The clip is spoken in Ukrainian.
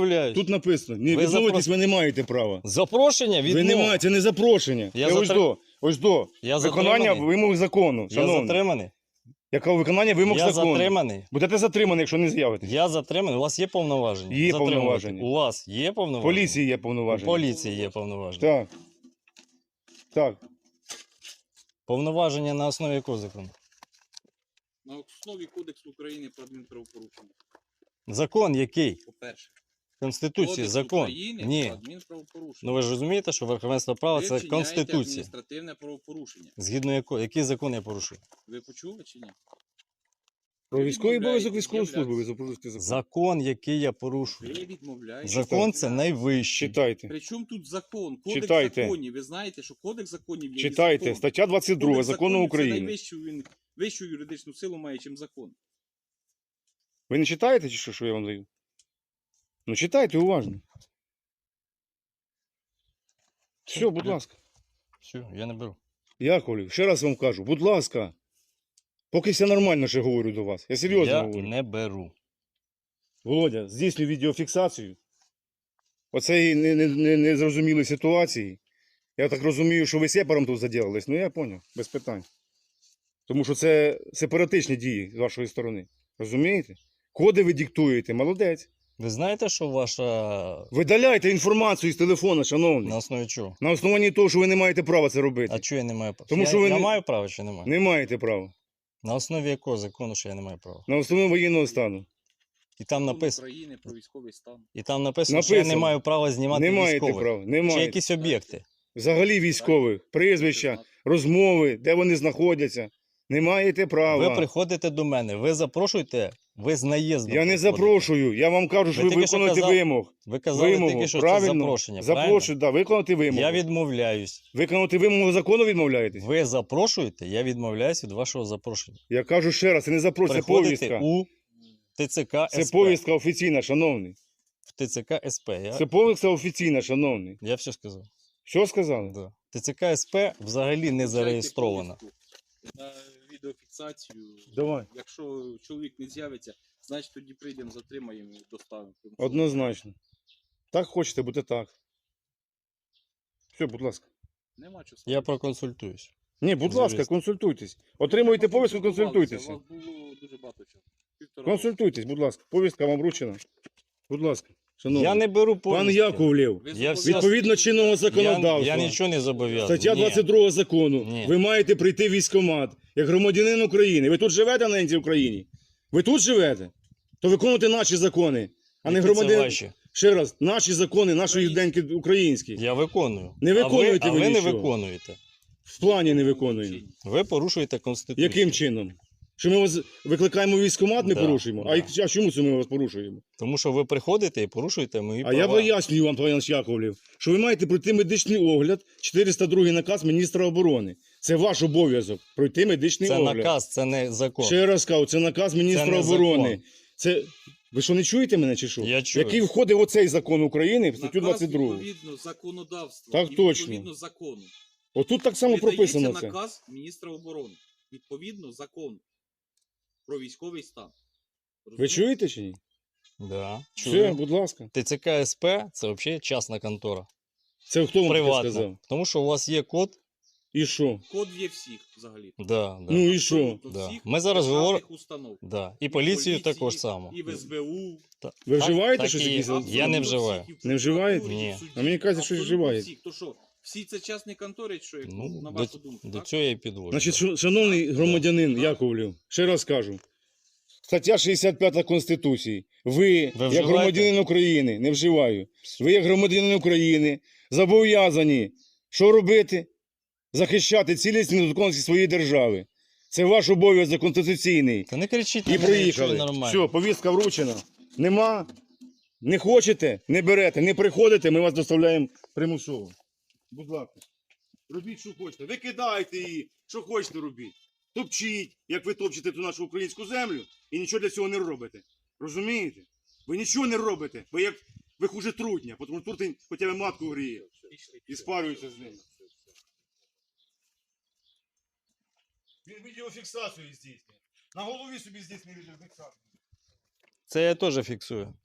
відмовляюсь. Тут написано, не Ви відмовитись ви не маєте права. Запрошення Ви не маєте, це не запрошення. Я Ось до. Я Виконання затриманий. вимог закону, Я шановний. затриманий. Яке виконання вимог Я закону? затриманий. Будете затримані, якщо не з'явитесь. Я затриманий. У вас є повноваження? Є Затримувати? повноваження. У вас є повноваження? Поліції є У повноваження. поліції є повноваження. Так. Так. Повноваження на основі якого закону? На основі Кодексу України про адмінправопорушення. Закон який? По-перше, Конституція, Кодекс закон. України про Ні. адмінправопорушення. Ну ви ж розумієте, що верховенство права Ви це вчиняєте Конституція. адміністративне правопорушення. Згідно якого? Який закон я порушую? Ви почули чи ні? Про військовий обов'язок відмовляєтесь військової служби ви з'являтися. запрошуєте закон. Закон, який я порушую. Ви відмовляєтесь. Закон це найвищий. Читайте. Причому тут закон? Кодекс Читайте. законів. Ви знаєте, що Кодекс законів є Читайте. закон. Стаття 22 Кодекс закону законів України. Це найвищу, він вищу юридичну силу має, чим закон. Ви не читаєте чи що я вам даю? Ну читайте уважно. Все, будь ласка. Все, я не беру. Яковлів, ще раз вам кажу, будь ласка. Поки все нормально ще говорю до вас. Я серйозно Я говорю. не беру. Володя, здійснюй відеофіксацію оцеї незрозумілої ситуації. Я так розумію, що ви сепаром тут заділились. Ну я зрозумів, без питань. Тому що це сепаратичні дії з вашої сторони. Розумієте? Коди ви диктуєте, молодець. Ви знаєте, що ваша... Видаляйте інформацію з телефона, шановний. На основі чого? На основанні того, що ви не маєте права це робити. А чого я не маю права? Тому я, що ви я не- маю право чи не маю? Не маєте права. На основі якого закону, що я не маю права? На основі воєнного стану. І там Закон написано, України про військовий стан. що я не Написано. маю права знімати Не маєте військових. права. Не Чи маєте. якісь об'єкти. Взагалі військових, прізвища, розмови, де вони знаходяться. Не маєте права. Ви приходите до мене, ви запрошуєте, ви з наїздом. Я не приходите. запрошую, я вам кажу, що Ви ви тільки що виконуєте казали- вимог. Ви казали Вимогу, тільки, що правильно? це запрошення. Запрошую, да, виконати вимогу. Я відмовляюсь. Виконати вимогу закону відмовляєтесь? Ви запрошуєте, я відмовляюсь від вашого запрошення. Я кажу ще раз, це не запрошення, це Приходите повістка. у ТЦК Це СП. повістка офіційна, шановний. В ТЦК СП. Це повістка офіційна, шановний. Я все сказав. Що сказали? Да. ТЦК СП взагалі не зареєстрована. На відеофіксацію. Давай. Якщо чоловік не з'явиться, значить тоді прийдемо, затримаємо і доставимо. Однозначно. Так хочете, буде так. Все, будь ласка. Нема чого. Я проконсультуюсь. Ні, будь З ласка, юристом. консультуйтесь. Отримуєте повістку, консультуйтеся. У вас було дуже багато часу. Півтора Консультуйтесь, будь ласка. Повістка вам вручена. Будь ласка. Шановний. Я не беру повістки. Пан Яковлев, року. Ви Я зобов'язані- всі- відповідно чинного законодавства. Я нічого не зобов'язаний. Стаття Ні. 22 закону. Ні. Ви маєте прийти в військкомат як громадянин України. Ви тут живете на цій Україні? Ви тут живете? То виконуйте наші закони, а не Які це громадян. ваші? Ще раз, наші закони, нашої деньки українські. Я виконую. Не виконуєте а ви ви не нічого. виконуєте. В плані не виконуємо. Ви порушуєте Конституцію. Яким чином? Що ми вас викликаємо в військкомат, не Да, порушуємо? да. А чому це ми вас порушуємо? Тому що ви приходите і порушуєте мої А права. я пояснюю вам, пан Яковлев, що ви маєте пройти медичний огляд, 402 наказ міністра оборони. Це ваш обов'язок пройти медичний Це огляд. наказ, це не закон. Ще раз кажу, це наказ міністра не оборони. закон. Це ви що не чуєте мене чи що? Я чую. Який входить в оцей закон України, в статтю Наказ 22. відповідно законодавства. Так і точно. Відповідно закону. Отут так само прописано Видається це. наказ міністра оборони. Відповідно закону про військовий стан. Ви Розумієте? чуєте чи ні? Да. Все, Чую. будь ласка. ТЦК СП це взагалі частна контора. Це хто вам таке Приватна. сказав? Тому що у вас є код. І що? Код є всіх взагалі. Да. Ну і що? Абсолютно Да. всіх Ми зараз державних говоримо. установ. Да. І І поліцію поліції, також само. І в СБУ. Ви Так- вживаєте так щось і є. якісь? Я не Абсолютно вживаю. всіх. І в Не вживаєте? прокуратурі, і в Ні. суді. А мені кажуть, що Абсолютно вживаєте. всіх. То що, всі це частні контори, що як, Ну, на вашу думку, до так? цього я і підводжу. Значить, шановний громадянин Яковлев, ще раз кажу. Стаття 65 Конституції. Ви, як вживаєте? громадянин України, не вживаю. Ви, як громадянин України, зобов'язані що робити? Захищати цілісність і недоторканність своєї держави. Це ваш обов'язок конституційний. Та не кричіть, І на мене, якщо ви приїхали. нормально. Все, повістка вручена. Нема. Не хочете, не берете, не приходите, ми вас доставляємо примусово. Будь ласка. Робіть, що хочете. Викидайте її, що хочете робіть. Топчіть, як ви топчете ту нашу українську землю, і нічого для цього не робите. Розумієте? Ви нічого не робите. Ви хуже трутня, тому що трутень хоча б матку гріє. І спарюється з ним. Він відеофіксацію здійснює. На голові собі здійснює відеофіксацію. Це я теж фіксую.